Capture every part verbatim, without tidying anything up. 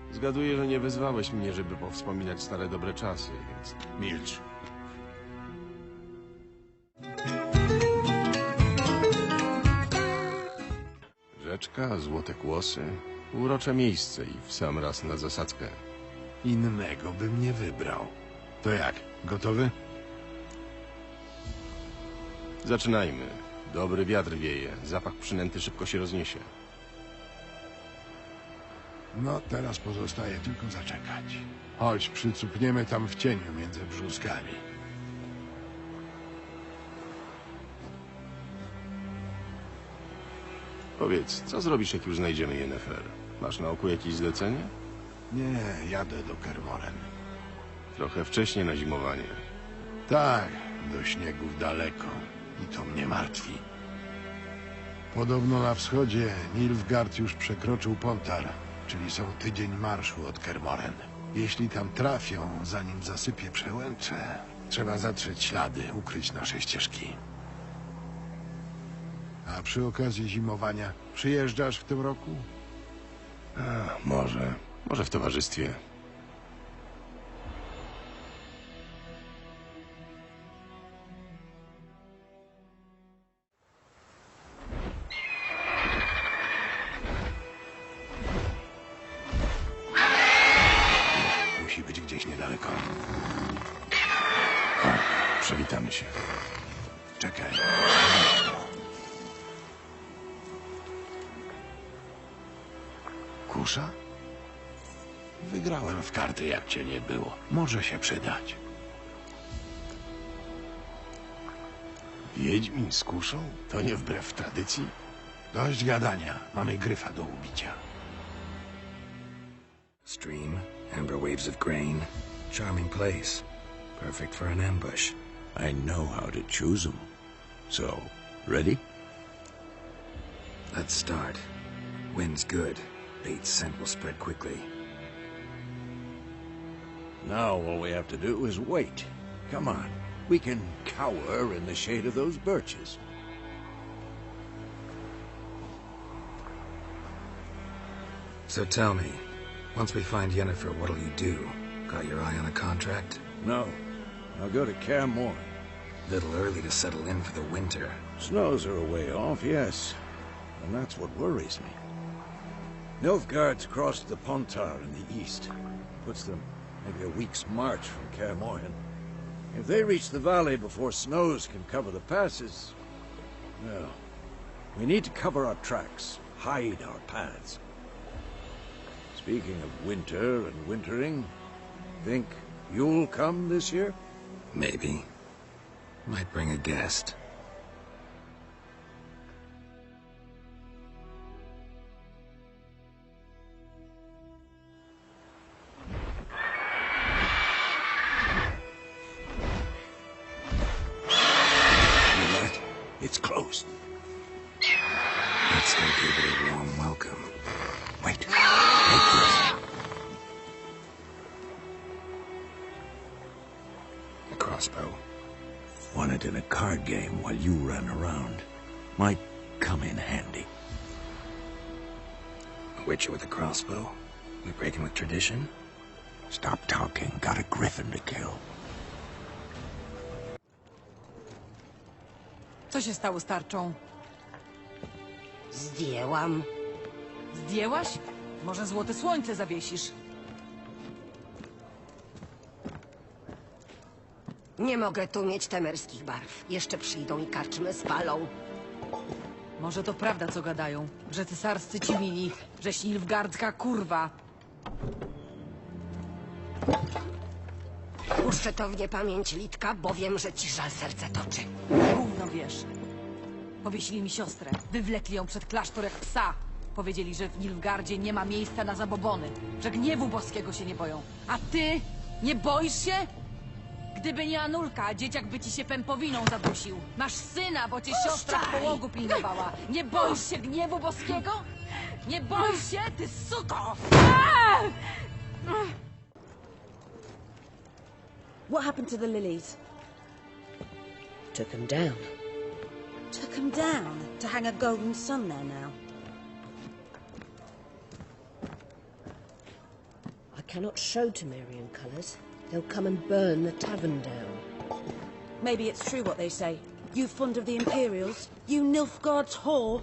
Zgaduję, że nie wezwałeś mnie, żeby powspominać stare dobre czasy, więc... Milcz. Rzeczka, złote kłosy, urocze miejsce i w sam raz na zasadzkę. Innego bym nie wybrał. To jak, gotowy? Zaczynajmy. Dobry wiatr wieje, zapach przynęty szybko się rozniesie. No, teraz pozostaje tylko zaczekać. Chodź, przycupniemy tam w cieniu między brzuskami. Powiedz, co zrobisz, jak już znajdziemy Yennefer? Masz na oku jakieś zlecenie? Nie, jadę do Kermoren. Trochę wcześnie na zimowanie. Tak, do śniegów daleko. I to mnie martwi. Podobno na wschodzie Nilfgaard już przekroczył Pontar, czyli są tydzień marszu od Kermoren. Jeśli tam trafią, zanim zasypie przełęcze, trzeba zatrzeć ślady, ukryć nasze ścieżki. A przy okazji zimowania przyjeżdżasz w tym roku? A, może. Może w towarzystwie. Musi być gdzieś niedaleko. O, przywitamy się. Czekaj. Kusza? Wygrałem w karty, jak cię nie było. Może się przydać. Wiedźmin z kuszą? To nie wbrew tradycji? Dość gadania. Mamy gryfa do ubicia. Stream, amber waves of grain. Charming place. Perfect for an ambush. I know how to choose them. So, ready? Let's start. Wind's good. Bait's scent will spread quickly. Now all we have to do is wait. Come on. We can cower in the shade of those birches. So tell me, once we find Yennefer, what'll you do? Got your eye on a contract? No. I'll go to Kaer Morhen. Little early to settle in for the winter. Snows are a way off, yes. And that's what worries me. Nilfgaard's crossed the Pontar in the east. Puts them maybe a week's march from Kaer Morhen. If they reach the valley before snows can cover the passes, well, we need to cover our tracks, hide our paths. Speaking of winter and wintering, think you'll come this year? Maybe. Might bring a guest. It's closed. Let's still give it a warm welcome. Wait. Take this. A crossbow. Won it in a card game while you ran around. Might come in handy. A witcher with a crossbow? We breaking with tradition? Stop talking. Got a griffin to kill. Co się stało z tarczą? Zdjęłam. Zdjęłaś? Może złote słońce. słońce zawiesisz. Nie mogę tu mieć temerskich barw. Jeszcze przyjdą i karczmy spalą. Może to prawda, co gadają. Że cesarscy ci mili, żeś nilfgaardzka kurwa. Puszczę to w niepamięć, Litka, bo wiem, że ci żal serce toczy. Gówno wiesz. Powiesili mi siostrę. Wywlekli ją przed klasztor jak psa. Powiedzieli, że w Nilfgaardzie nie ma miejsca na zabobony. Że gniewu boskiego się nie boją. A ty? Nie boisz się? Gdyby nie Anulka, dzieciak by ci się pępowiną zadusił. Masz syna, bo cię siostra w połogu pilnowała. Nie boisz się gniewu boskiego? Nie boisz się, ty suko! What happened to the lilies? Took him down. Took them down to hang a golden sun there now. cannot show Temerian colours. They'll come and burn the tavern down. Maybe it's true what they say. You fond of the Imperials? You Nilfgaard's whore?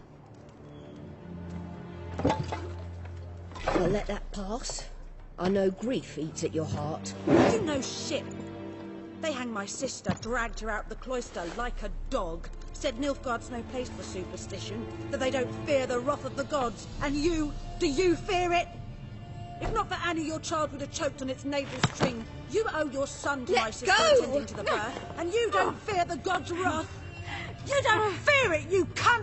I'll let that pass. I know grief eats at your heart. You know shit. They hanged my sister, dragged her out the cloister like a dog. Said Nilfgaard's no place for superstition, that they don't fear the wrath of the gods. And you, do you fear it? If not for Annie, your child would have choked on its navel string. You owe your son to Let my sister go! attending to the birth, and you don't fear the gods' wrath. You don't fear it, you cunt!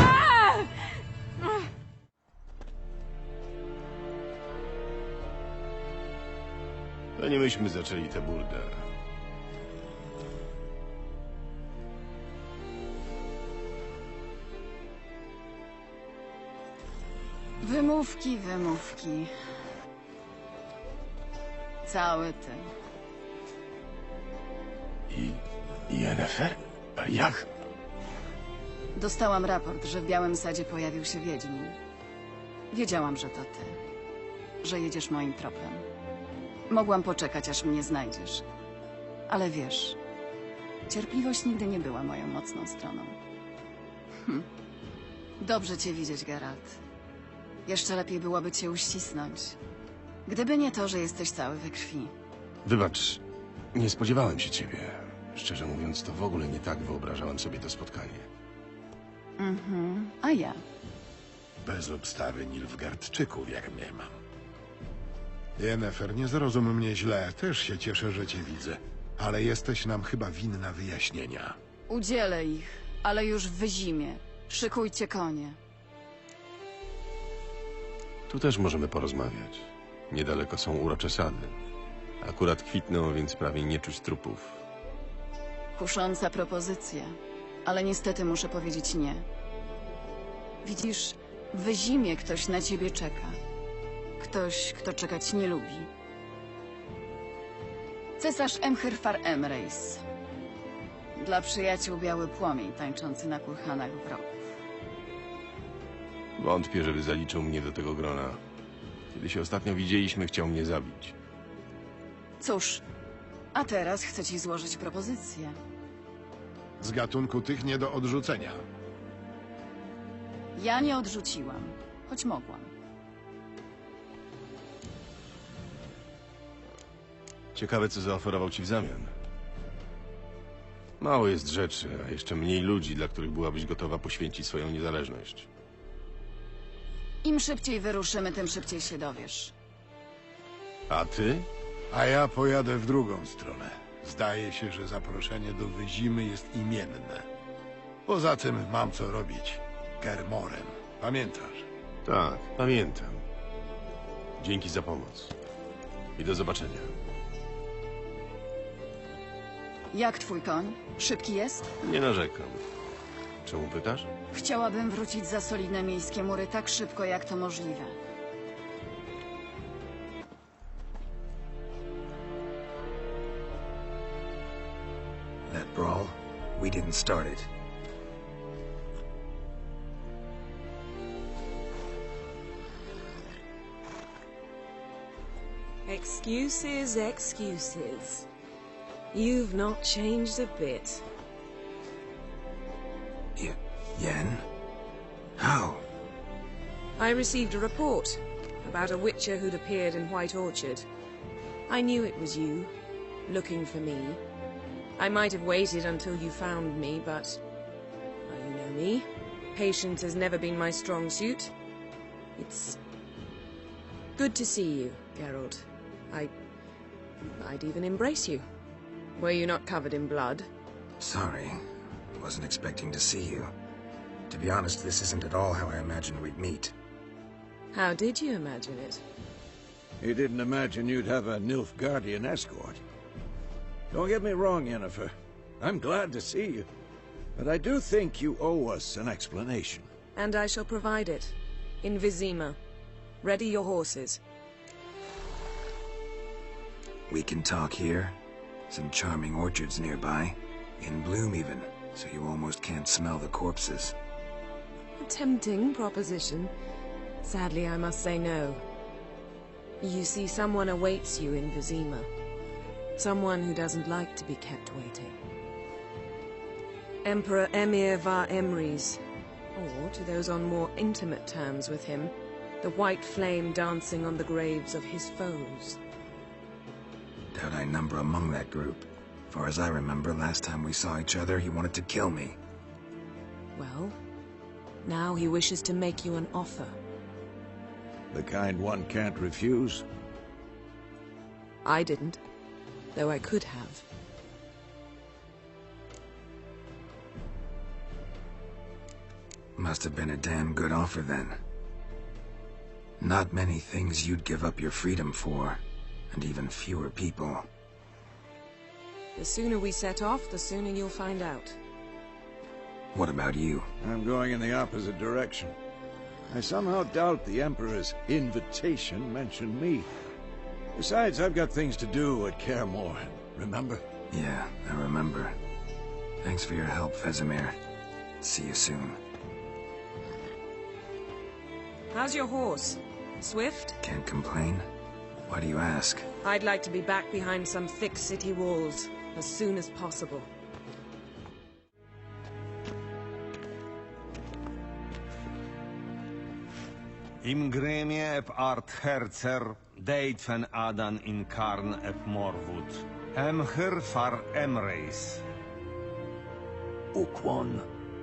To nie myśmy zaczęli tę burdę. Wymówki, wymówki. Cały ty. I... Yennefer? Jak? Dostałam raport, że w Białym Sadzie pojawił się Wiedźmin. Wiedziałam, że to ty. Że jedziesz moim tropem. Mogłam poczekać, aż mnie znajdziesz. Ale wiesz, cierpliwość nigdy nie była moją mocną stroną. Hm. Dobrze cię widzieć, Geralt. Jeszcze lepiej byłoby cię uścisnąć. Gdyby nie to, że jesteś cały we krwi. Wybacz, nie spodziewałem się ciebie. Szczerze mówiąc, to w ogóle nie tak wyobrażałem sobie to spotkanie. Mhm, a ja? Bez obstawy Nilfgaardczyków, jak mnie mam. Yennefer, nie zrozum mnie źle. Też się cieszę, że cię widzę. Ale jesteś nam chyba winna wyjaśnienia. Udzielę ich, ale już w wyzimie. Szykujcie konie. Tu też możemy porozmawiać. Niedaleko są urocze sady. Akurat kwitną, więc prawie nie czuć trupów. Kusząca propozycja, ale niestety muszę powiedzieć nie. Widzisz, w wyzimie ktoś na ciebie czeka. Ktoś, kto czekać nie lubi. Cesarz Emhyrfar Emreis. Dla przyjaciół biały płomień tańczący na kurhanach wrogów. Wątpię, żeby zaliczył mnie do tego grona. Kiedy się ostatnio widzieliśmy, chciał mnie zabić. Cóż, a teraz chcę ci złożyć propozycję. Z gatunku tych nie do odrzucenia. Ja nie odrzuciłam, choć mogłam. Ciekawe, co zaoferował ci w zamian. Mało jest rzeczy, a jeszcze mniej ludzi, dla których byłabyś gotowa poświęcić swoją niezależność. Im szybciej wyruszymy, tym szybciej się dowiesz. A ty? A ja pojadę w drugą stronę. Zdaje się, że zaproszenie do Wyzimy jest imienne. Poza tym mam co robić. Kermoren. Pamiętasz? Tak, pamiętam. Dzięki za pomoc. I do zobaczenia. Jak twój koń? Szybki jest? Nie narzekam. Czemu pytasz? Chciałabym wrócić za solidne miejskie mury tak szybko, jak to możliwe. That brawl, we didn't start it. Excuses, excuses. You've not changed a bit. Y Yen? How? I received a report about a witcher who'd appeared in White Orchard. I knew it was you, looking for me. I might have waited until you found me, but... well, you know me. Patience has never been my strong suit. It's... good to see you, Geralt. I... I'd even embrace you. Were you not covered in blood? Sorry. Wasn't expecting to see you. To be honest, this isn't at all how I imagined we'd meet. How did you imagine it? He didn't imagine you'd have a Nilfgaardian escort. Don't get me wrong, Yennefer. I'm glad to see you. But I do think you owe us an explanation. And I shall provide it. In Vizima. Ready your horses. We can talk here. Some charming orchards nearby. In bloom even, so you almost can't smell the corpses. A tempting proposition. Sadly, I must say no. You see, someone awaits you in Vizima. Someone who doesn't like to be kept waiting. Emperor Emir Var Emrys, or, to those on more intimate terms with him, the white flame dancing on the graves of his foes. Doubt I number among that group. Far as I remember, last time we saw each other, he wanted to kill me. Well, now he wishes to make you an offer. The kind one can't refuse. I didn't, though I could have. Must have been a damn good offer then. Not many things you'd give up your freedom for, and even fewer people. The sooner we set off, the sooner you'll find out. What about you? I'm going in the opposite direction. I somehow doubt the Emperor's invitation mentioned me. Besides, I've got things to do at Kaer Morhen, remember? Yeah, I remember. Thanks for your help, Vesemir. See you soon. How's your horse? Swift? Can't complain. Why do you ask? I'd like to be back behind some thick city walls as soon as possible. Imgrimie ep art herzer, deitfen adan in karn ep morwood. Emhyr far Emrys. Ukłon.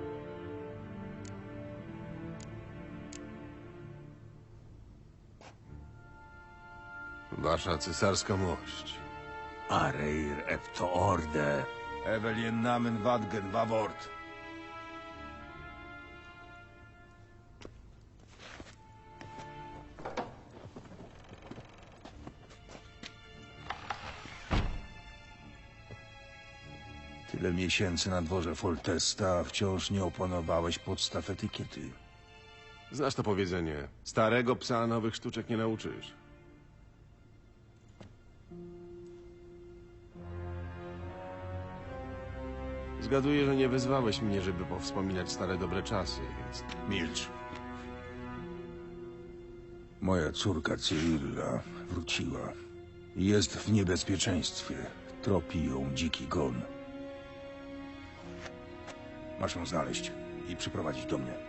Wasza cesarska mość. Areir ep to orde. Evelien namen vadgen vavort. Tyle miesięcy na dworze Foltesta, a wciąż nie opanowałeś podstaw etykiety. Znasz to powiedzenie. Starego psa nowych sztuczek nie nauczysz. Zgaduję, że nie wezwałeś mnie, żeby powspominać stare dobre czasy, więc... Milcz. Moja córka Cyrilla wróciła. Jest w niebezpieczeństwie. Tropi ją dziki gon. Masz ją znaleźć i przyprowadzić do mnie.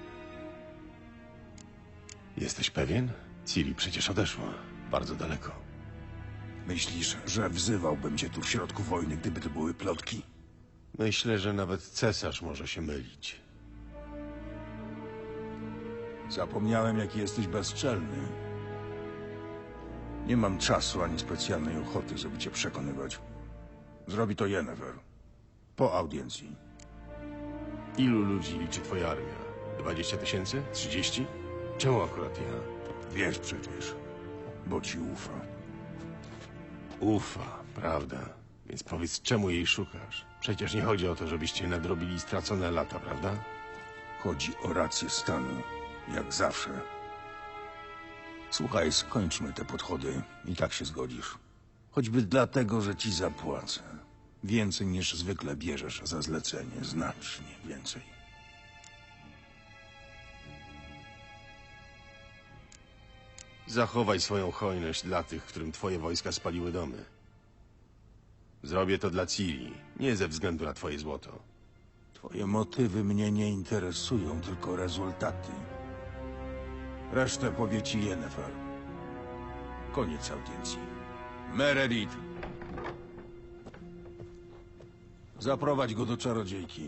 Jesteś pewien? Ciri przecież odeszła. Bardzo daleko. Myślisz, że wzywałbym cię tu w środku wojny, gdyby to były plotki? Myślę, że nawet cesarz może się mylić. Zapomniałem, jaki jesteś bezczelny. Nie mam czasu ani specjalnej ochoty, żeby cię przekonywać. Zrobi to Yennefer. Po audiencji. Ilu ludzi liczy twoja armia? Dwadzieścia tysięcy? Trzydzieści? Czemu akurat ja? Wiesz przecież, bo ci ufa. Ufa, prawda? Więc powiedz, czemu jej szukasz? Przecież nie chodzi o to, żebyście nadrobili stracone lata, prawda? Chodzi o rację stanu, jak zawsze. Słuchaj, skończmy te podchody i tak się zgodzisz. Choćby dlatego, że ci zapłacę. Więcej niż zwykle bierzesz za zlecenie, znacznie więcej. Zachowaj swoją hojność dla tych, którym twoje wojska spaliły domy. Zrobię to dla Ciri, nie ze względu na twoje złoto. Twoje motywy mnie nie interesują, tylko rezultaty. Resztę powie ci Yennefer. Koniec audiencji. Meredith! Zaprowadź go do czarodziejki.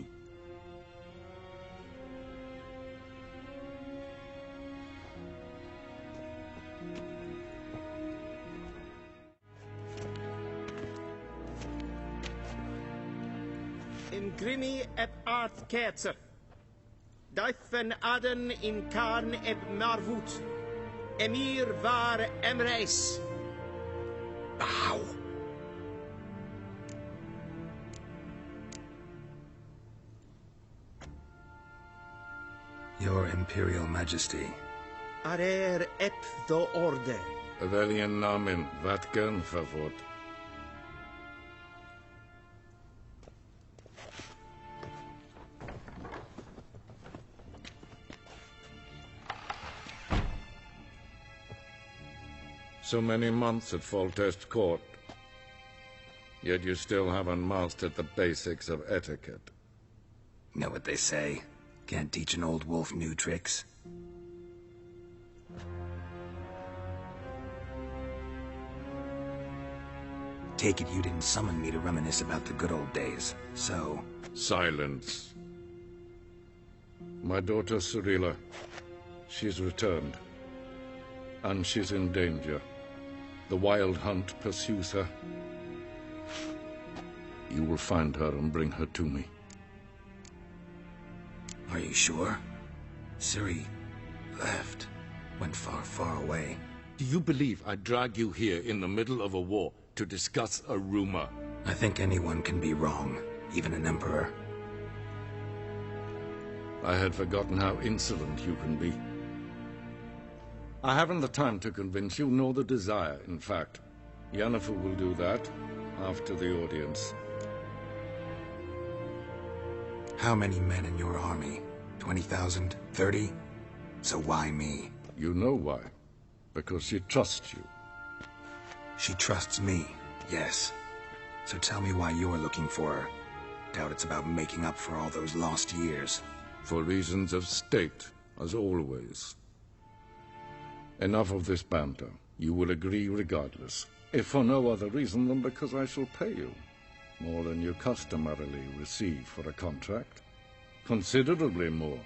Imgrimi ep art kerzer. Daifen aden in karn ep marvut. Emir var Emrys. Au! Your Imperial Majesty. Arer ep do orde. Evelien namen vatgen favort. So many months at Foltest Court. Yet you still haven't mastered the basics of etiquette. Know what they say? Can't teach an old wolf new tricks. Take it you didn't summon me to reminisce about the good old days, so... Silence. My daughter Cirilla, she's returned. And she's in danger. The Wild Hunt pursues her. You will find her and bring her to me. Are you sure? Ciri left. Went far, far away. Do you believe I'd drag you here in the middle of a war to discuss a rumor? I think anyone can be wrong, even an emperor. I had forgotten how insolent you can be. I haven't the time to convince you, nor the desire, in fact. Yennefer will do that after the audience. How many men in your army? twenty thousand? thirty? So why me? You know why. Because she trusts you. She trusts me, yes. So tell me why you're looking for her. Doubt it's about making up for all those lost years. For reasons of state, as always. Enough of this banter. You will agree regardless. If for no other reason than because I shall pay you. More than you customarily receive for a contract. Considerably more.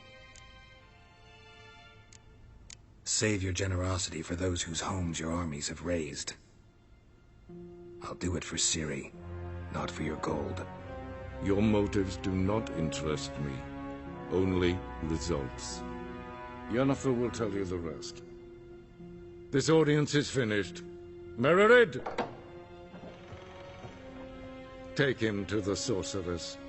Save your generosity for those whose homes your armies have razed. I'll do it for Ciri, not for your gold. Your motives do not interest me. Only results. Yennefer will tell you the rest. This audience is finished. Mererid! Take him to the sorceress.